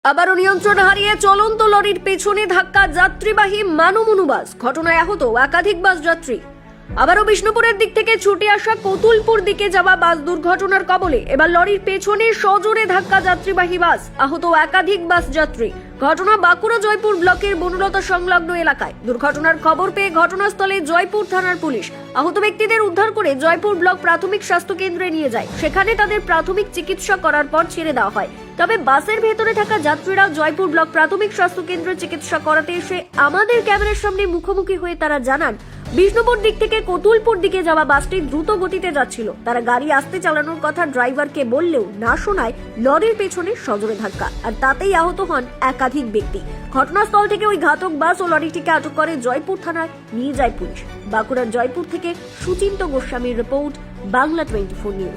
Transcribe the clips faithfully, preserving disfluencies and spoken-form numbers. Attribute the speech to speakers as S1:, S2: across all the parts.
S1: আবারও নিয়ন্ত্রণ হারিয়ে চলন্ত লরির পেছনে ধাক্কা যাত্রীবাহী মানমনু বাস। ঘটনায় আহত একাধিক বাস যাত্রী। আবারও বিষ্ণুপুরের দিক থেকে ছুটে আসা কতুলপুর দিকে যাওয়া বাস দুর্ঘটনার কবলে। এবার লরির পেছনে সজোরে ধাক্কা যাত্রীবাহী বাস, আহত একাধিক বাস যাত্রী। ঘটনা বাঁকুড়া জয়পুর ব্লকের বনলতা সংলগ্ন এলাকায়। দুর্ঘটনার খবর পেয়ে ঘটনাস্থলে জয়পুর থানার পুলিশ আহত ব্যক্তিদের উদ্ধার করে জয়পুর ব্লক প্রাথমিক স্বাস্থ্য কেন্দ্রে নিয়ে যায়। সেখানে তাদের প্রাথমিক চিকিৎসা করার পর ছেড়ে দেওয়া হয়। তবে বাসের ভেতরে থাকা যাত্রীরা জয়পুর ব্লক প্রাথমিক স্বাস্থ্য কেন্দ্রে চিকিৎসা করাতে এসে আমাদের ক্যামেরার সামনে মুখোমুখি হয়ে তারা জানান, বিষ্ণুপুর দিক থেকে কতুলপুর দিকে যাওয়া বাসটি দ্রুত গতিতে যাচ্ছিল। তারা গাড়ি আস্তে চালানোর কথা ড্রাইভারকে বললেও না শোনায় লরির পেছনে সজোরে ধাক্কা, আর তাতেই আহত হন একাধিক ব্যক্তি। ঘটনাস্থল থেকে ওই ঘাতক বাস ও লরিটিকে আটক করে জয়পুর থানায় নিয়ে যায় পুলিশ। বাঁকুড়ার জয়পুর থেকে সুচিন্ত গোস্বামীর report, Bangla twenty four news.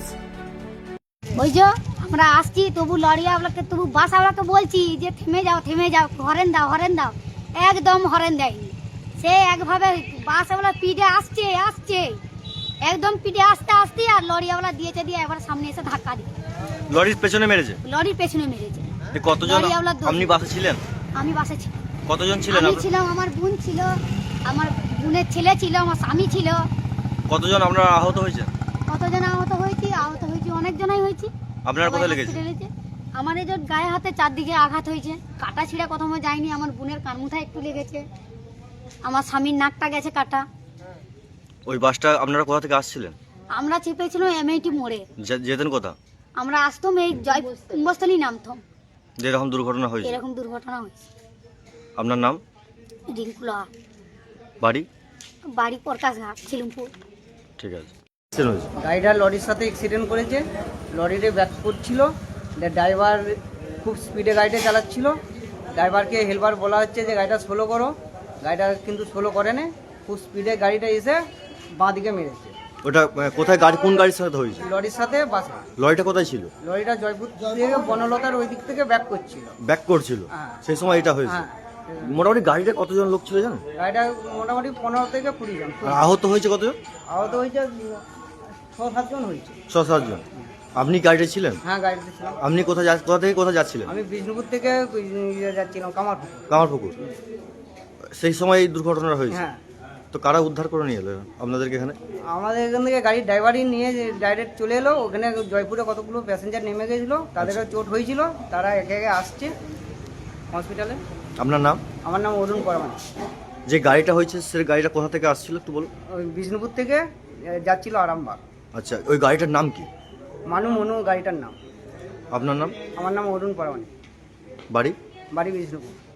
S2: ওই যে আমরা আসছি, তবু লরিয়াওয়ালাকে তবু বাসওয়ালাকে বলছি যে থেমে যাও থেমে যাও, হরেন দাও হরেন দাও, একদম হরেন দেয়নি। সে একভাবে বাসওয়ালা পিঠে আসছে আসছে একদম পিঠে আসতে আসতে আর লরিয়াওয়ালা দিয়েছে, দিয়ে এবার সামনে এসে ধাক্কা দিয়ে
S3: লরির পেছনে মেরেছে।
S2: লরির পেছনে মেরেছে।
S3: এ কতজন?
S2: লরিয়াওয়ালা দোষী।
S3: আপনি বাসে ছিলেন?
S2: আমি বাসে ছিলাম।
S3: কতজন ছিলেন?
S2: আমি
S3: আপনারা?
S2: ছিলাম, আমার বোন ছিল, আমার বোনের ছেলে ছিল, আমার স্বামী ছিল।
S3: কতজন আপনারা আহত হয়েছে?
S2: কতজন আহত হয়েছি? আহত হয়েছি অনেক জনাই হয়েছি।
S3: আপনার কোথায় লেগেছে?
S2: হসপিটালে আমার এই যে গায়ে হাতে চারদিকে আঘাত হয়েছে, কাটা ছিঁড়া প্রথমে যায়নি, আমার বোনের কানমুথায় একটু লেগেছে, আমার স্বামীর নাকটা গেছে কাটা।
S3: ওই বাসটা আপনারা কোথা থেকে আসছিলেন?
S2: আমরা চেপেছিলাম এমআইটি মোড়ে,
S3: যে- যেতেন কোথা?
S2: আমরা আসতাম এই জয় কুম্ভস্থলী নামতাম।
S3: যেরকম দুর্ঘটনা হয়েছে।
S2: এরকম দুর্ঘটনা হয়েছে।
S3: আপনার নাম?
S2: রিঙ্কুলা,
S3: বাড়ি?
S2: বাড়ি প্রকাশ ঘাট, ছিলুমপুর।
S3: ঠিক আছে।
S4: গাড়িটা লরির সাথে অ্যাক্সিডেন্ট করেছে। লরিতে ব্যাক করছিল, ড্রাইভার খুব স্পিডে গাড়িটা চালাচ্ছিল। ড্রাইভারকে হেল্পার বলা হচ্ছে যে গাড়িটা স্লো করো, গাড়িটা কিন্তু স্লো করে না, খুব স্পিডে গাড়িটা এসে বাঁ দিকে মেরেছে।
S3: ওটা আহ, কোথায় গাড়ি, কোন গাড়ির সাথে হয়েছে?
S4: লরির সাথে বাসে।
S3: লরিটা কোথায় ছিল?
S4: লরিটা জয়পুর থেকে বনলতার ওই দিক থেকে ব্যাক করছিল।
S3: ব্যাক করছিল,
S4: হ্যাঁ।
S3: সেই সময় এটা হয়েছে।
S4: হ্যাঁ,
S3: মোটামুটি গাড়িতে কতজন লোক ছিল জানেন?
S4: গাড়িটা মোটামুটি পনেরো থেকে কুড়ি জন।
S3: আর আহত হয়েছে কতজন?
S4: আহত হয়েছে ছ সাতজন হয়েছে।
S3: ছ সাতজন। আপনি গাড়িতে ছিলেন?
S4: হ্যাঁ, গাড়িতে ছিলাম।
S3: আপনি কোথায় যা- কোথা থেকে কোথায় যাচ্ছিলেন?
S4: আমি বিষ্ণুপুর থেকে ইয়ে যাচ্ছিলাম কামারপুকুর।
S3: কামারপুকুর। সেই সময় এই দুর্ঘটনা হয়েছে।
S4: হ্যাঁ,
S3: তো কারা উদ্ধার করে নিয়ে এলো আপনাদেরকে এখানে?
S4: আমাদের এখান থেকে গাড়ির ড্রাইভারই নিয়ে ডাইরেক্ট চলে এলো। ওখানে জয়পুরে কতগুলো প্যাসেঞ্জার নেমে গেছিলো, তাদেরও চোট হয়েছিল, তারা একে একে আসছে হসপিটালে।
S3: আপনার নাম?
S4: আমার নাম অরুণ পরমান।
S3: যে গাড়িটা হয়েছে সে গাড়িটা কোথা থেকে আসছিল একটু বলুন।
S4: ওই বিষ্ণুপুর থেকে এ, যাচ্ছিল আরামবাগ।
S3: আচ্ছা, ওই গাড়িটার নাম কি?
S4: মানু মনু গাড়িটার নাম।
S3: আপনার নাম?
S4: আমার নাম অরুণ পরমান,
S3: বাড়ি?
S4: বাড়ি বিষ্ণুপুর।